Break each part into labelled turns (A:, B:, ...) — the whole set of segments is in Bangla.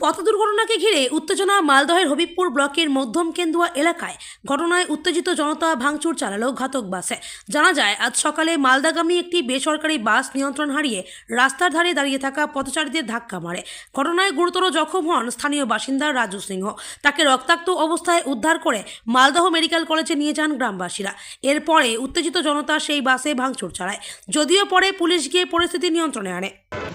A: পথ দুর্ঘটনাকে ঘিরে উত্তেজনা মালদহের হবিবপুর ব্লকের মধ্যম কেন্দুয়া এলাকায়। ঘটনায় উত্তেজিত জনতা ভাঙচুর চালালো ঘাতক বাসে। জানা যায়, আজ সকালে মালদাগামী একটি বেসরকারি বাস নিয়ন্ত্রণ হারিয়ে রাস্তার ধারে দাঁড়িয়ে থাকা পথচারীদের ধাক্কা মারে। ঘটনায় গুরুতর জখম হন স্থানীয় বাসিন্দা রাজু সিংহ। তাকে রক্তাক্ত অবস্থায় উদ্ধার করে মালদহ মেডিকেল কলেজে নিয়ে যান গ্রামবাসীরা। এরপরে উত্তেজিত জনতা সেই বাসে ভাঙচুর চালায়, যদিও পরে পুলিশ গিয়ে পরিস্থিতি নিয়ন্ত্রণে আনে।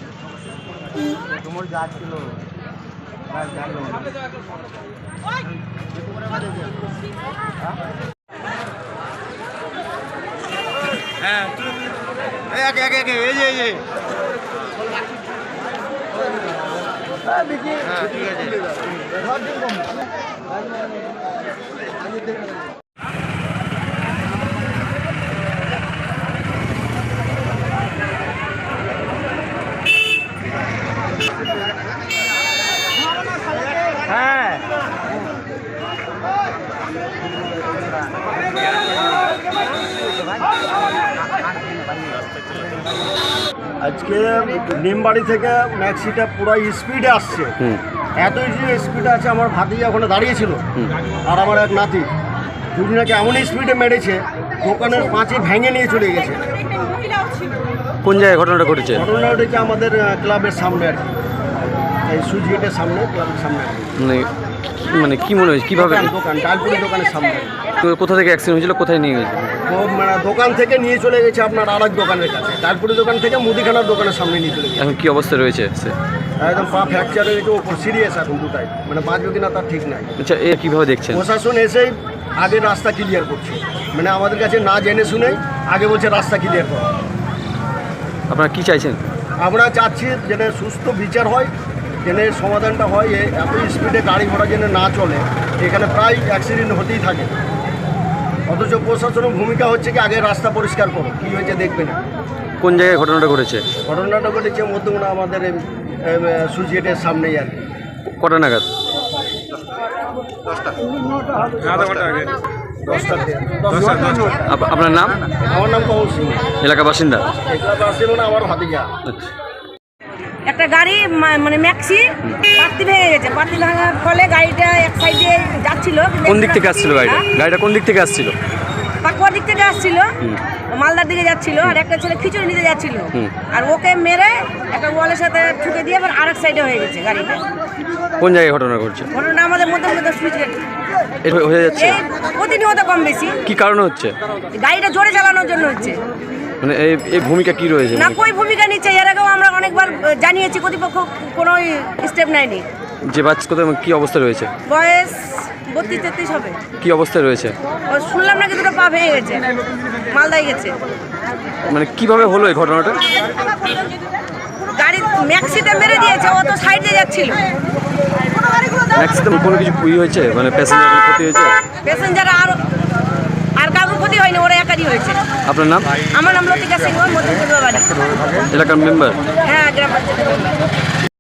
B: আজকে নিমবাড়ি থেকে ম্যাক্সিটা পুরো স্পিডে আসছে। এত স্পিডে আছে, আমার ভাতিজা ওখানে দাঁড়িয়েছিল আর আমার এক নাতি, দুজনাকে এমন স্পিডে মেরেছে দোকানের পাঁচে ভেঙে নিয়ে চলে গেছে।
C: কোন জায়গায় ঘটনাটা ঘটেছে?
B: ঘটনা ঘটেছে আমাদের ক্লাবের সামনে আর কি, এই সুইচ গেটের সামনে, ক্লাবের সামনে।
C: মানে কি মনে হয়েছে, কীভাবে?
B: দোকান ডালপুরি দোকানের সামনে।
C: তো কোথা থেকে অ্যাক্সিডেন্ট হয়েছিল, কোথায় নিয়ে গেছে?
B: মানে দোকান থেকে নিয়ে চলে গেছে আপনার আর এক দোকানের কাছে, ডালপুরি দোকান থেকে মুদিখানার দোকানের সামনে নিয়ে চলে গেছে।
C: এখন কি অবস্থা রয়েছে সে?
B: একদম পা ফ্র্যাকচার হয়ে গেছে, ওপর সিরিয়াস এখন দুটাই, মানে বাঁচবে কিনা তার ঠিক নাই।
C: আচ্ছা, এ কীভাবে দেখছেন?
B: প্রশাসন এসেই আগে রাস্তা ক্লিয়ার করছে, মানে আমাদের কাছে না জেনে শুনে আগে বলছে রাস্তা ক্লিয়ার করো।
C: আপনারা কি চাইছেন?
B: আমরা চাচ্ছি যেন সুস্থ বিচার হয়, যেন সমাধানটা হয়। এত স্পিডে গাড়ি ঘোড়া যেন না চলে, এখানে প্রায় অ্যাক্সিডেন্ট হতেই থাকে। অথচ প্রশাসনের ভূমিকা হচ্ছে কি আগে রাস্তা পরিষ্কার করো, কী হয়েছে দেখবে না।
C: কোন জায়গায় ঘটনাটা ঘটেছে?
B: ঘটনাটা ঘটেছে মধ্যমনা আমাদের সুইচ গেটের সামনেই আর কি।
C: কটা নাগাদ?
B: 10টা।
C: আপনার নাম?
B: আমার নাম কমল সিং,
C: এলাকা বাসিন্দা।
B: এগুলো আসছিল না আমার ভাতিজা।
C: আচ্ছা,
A: একটা গাড়ি মানে ম্যাক্সি পাত্তি ভেঙে গেছে। পাত্তি ভাঙার ফলে গাড়িটা এক সাইডে যাচ্ছিল।
C: কোন দিক থেকে আসছিল গাড়িটা? গাড়িটা কোন দিক থেকে আসছিল?
A: পাকুয়ার দিক থেকে আসছিল, মালদার দিকে যাচ্ছিল, আর একটা ছেলে খিচুড়ি নিতে যাচ্ছিল। আর ওকে মেরে একটা ওয়ালের সাথে ঠুকে দিয়ে আবার আরেক সাইডে হয়ে গেছে গাড়িটা।
C: কোন জায়গায় ঘটনা ঘটছে?
A: ঘটনা আমাদের মধ্যে সুইচ গেট
C: হয়ে যাচ্ছে
A: প্রতিনিয়ত কম বেশি।
C: কি কারণে হচ্ছে?
A: গাড়িটা জোরে চালানোর জন্য হচ্ছে।
C: মানে এই ভূমিকা কি রয়েছে?
A: না, কই ভূমিকা নিচ্ছে। এর আগেও আমরা অনেকবার জানিয়েছি, কর্তৃপক্ষ কোনো স্টেপ নেয়নি।
C: যে বাচ্চা কোথায় কি অবস্থা রয়েছে?
A: বয়স 32-33 হবে।
C: কি অবস্থায় রয়েছে?
A: শুনলাম নাকি দুটো পা ভেঙে গেছে, মালদায় গেছে।
C: মানে কিভাবে হলো এই ঘটনাটা?
A: গাড়ি ম্যাক্সিতে মেরে দিয়েছে, ও তো সাইডে যাচ্ছিল।
C: ম্যাক্সিতে কোনো কিছু হয়েছে, মানে প্যাসেঞ্জারের ক্ষতি হয়েছে?
A: প্যাসেঞ্জার আর কারোর ক্ষতি হয়নি, ওরা একারই হয়েছে।
C: আপনার নাম?
A: আমার নাম লতিকা সিংহ, মধ্যম বাড়ি,
C: এলাকার মেম্বার।
A: হ্যাঁ, গ্রাম পঞ্চায়েত।